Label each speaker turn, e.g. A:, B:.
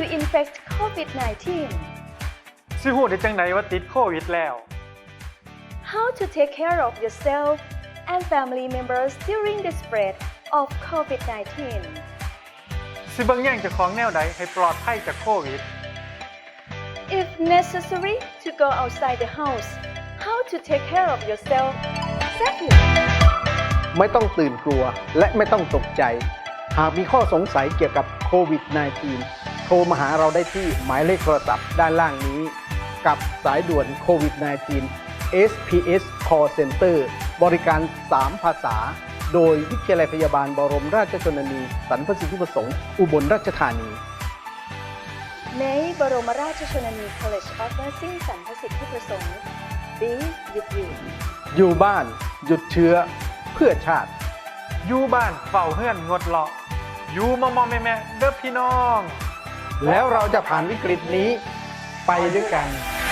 A: you infect COVID-19
B: สิฮู้ได้จังไดว่าติดโควิดแล้ว
A: How to take care of yourself and family members during the spread of COVID-19
B: สิเบิ่งแย่งเจ้าของแนวใดให้ปลอดภัยจากโควิด
A: If necessary to go outside the house How to take care of yourself safely
C: ไม่ต้องตื่นกลัวและไม่ต้องตกใจ หากมีข้อสงสัยเกี่ยวกับโควิด -19 โทรมาหาเราได้ที่หมายเลขโทรศัพท์ด้านล่างนี้ กับสายด่วนโควิด -19 SPS Call Center บริการ 3 ภาษา โดยวิทยาลัยพยาบาลบรมราชชนนีสรรพสิทธิประสงค์อุบลราชธานี
A: ในบรมราชชนนี College of Nursing สรรพสิทธิประสงค์ Be with you
C: อยู่บ้านหยุดเชื้อเพื่อชาติ
B: อยู่บ้านเฝ้าเฮือนงดเลาะอยู่มอแม่ๆเด้อพี่น้อง
C: แล้วเราจะผ่านวิกฤตนี้ไปด้วยกัน